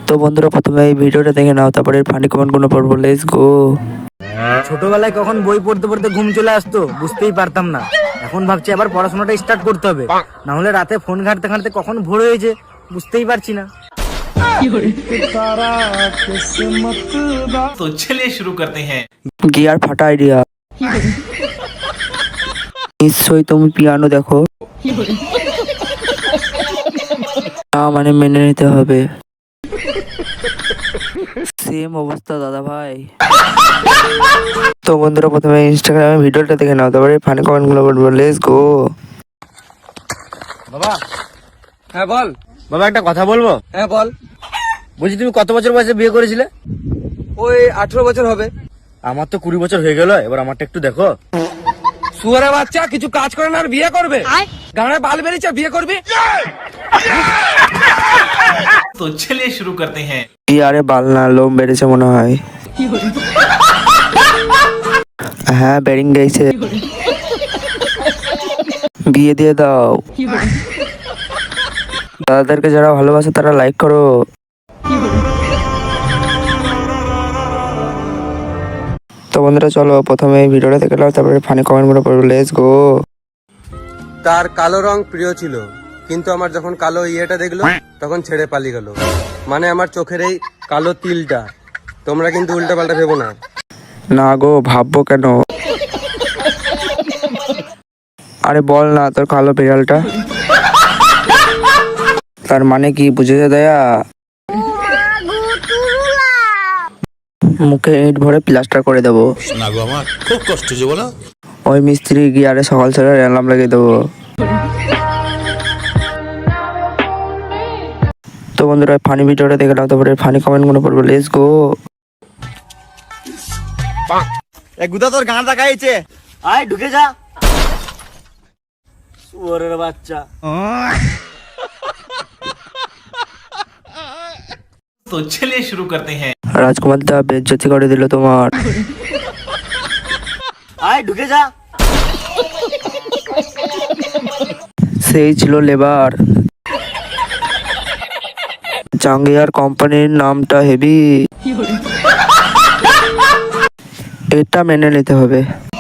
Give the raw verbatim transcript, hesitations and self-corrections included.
তো বন্ধুরা প্রথমে এই ভিডিওটা দেখে নাও, তারপরে ফানি কমেন্ট গুলো পড়বো। Let's go. ছোটবেলায় কখন বই পড়তে পড়তে ঘুম চলে আসতো বুঝতেই পারতাম না। এখন ভাবছি আবার পড়াশোনাটা স্টার্ট করতে হবে, না হলে রাতে ফোন ঘাঁটতে ঘাঁটতে কখন ভোর হয়েছে বুঝতেই পারছি না। तो चलिए शुरू करते हैं। গিয়ার ফাটা আইডিয়া। নিশ্চয়ই তুমি পিয়ানো দেখো না, মানে মেনে নিতে হবে। সেম অবস্থা দাদা ভাই। তো বন্ধুরা প্রথমে ইনস্টাগ্রামে ভিডিওটা দেখে নাও, তারপরে ফানি কমেন্ট গুলো করবো। Let's go. বাবা, হ্যাঁ বল। বাবা একটা কথা বলবো? হ্যাঁ বল। বলছি তুমি কত বছর বয়সে বিয়ে করেছিলে? ওই আঠারো বছর হবে। আমার তো কুড়ি বছর হয়ে গেল, এবার আমারটা একটু দেখো। শুয়ারের বাচ্চা, কিছু কাজ করে না আর বিয়ে করবে? গানে বাল বেরিয়েছে আর বিয়ে করবি? तो चलिए शुरू करते हैं। কি আরে বাল না, লোম বেড়েছে মনে হয়। হ্যাঁ বেরিং গেছে। বিয়ে দিয়ে দাও। দাদাদেরকে যারা ভালোবাসে তারা লাইক করো। তো বন্ধুরা চলো প্রথমে এই ভিডিওটা দেখে নাও, তারপরে ফানি কমেন্ট গুলো পড়বো। Let's go. তার কালো রং প্রিয় ছিল, কিন্তু আমার যখন কালো ইয়েটা দেখলো তখন ছেড়ে পালিয়ে গেল। মানে আমার চোখের এই কালো তিলটা। তোমরা কিন্তু উল্টা পাল্টা ভেবো না। না গো, ভাববো কেন? আরে বল না তোর কালো বিড়ালটা। তার মানে কি বুঝেছে দয়া? মুখে ইট ভরে প্লাস্টার করে দেবো। না গো, আমার খুব কষ্ট হচ্ছে বলো। ওই মিস্ত্রি গিয়ারে সকাল সকাল অ্যালার্ম লাগিয়ে দেবো। তো বন্ধুরা ফানি ভিডিওটা দেখে নাও, তারপরে ফানি কমেন্ট গুলো পড়বো। Let's go. এক গুদা তোর গান দেখাইছে, আয় ঢুকে যা। শুয়োরের বাচ্চা। तो चलिए शुरू करते हैं। রাজকুমার দা বেজ্জতি করে দিল তোমার। আয় ঢুকে যা। সেই ছিল লেবার। জাঙ্গিয়ার কোম্পানির নামটা হেভি, এটা মেনে নিতে হবে।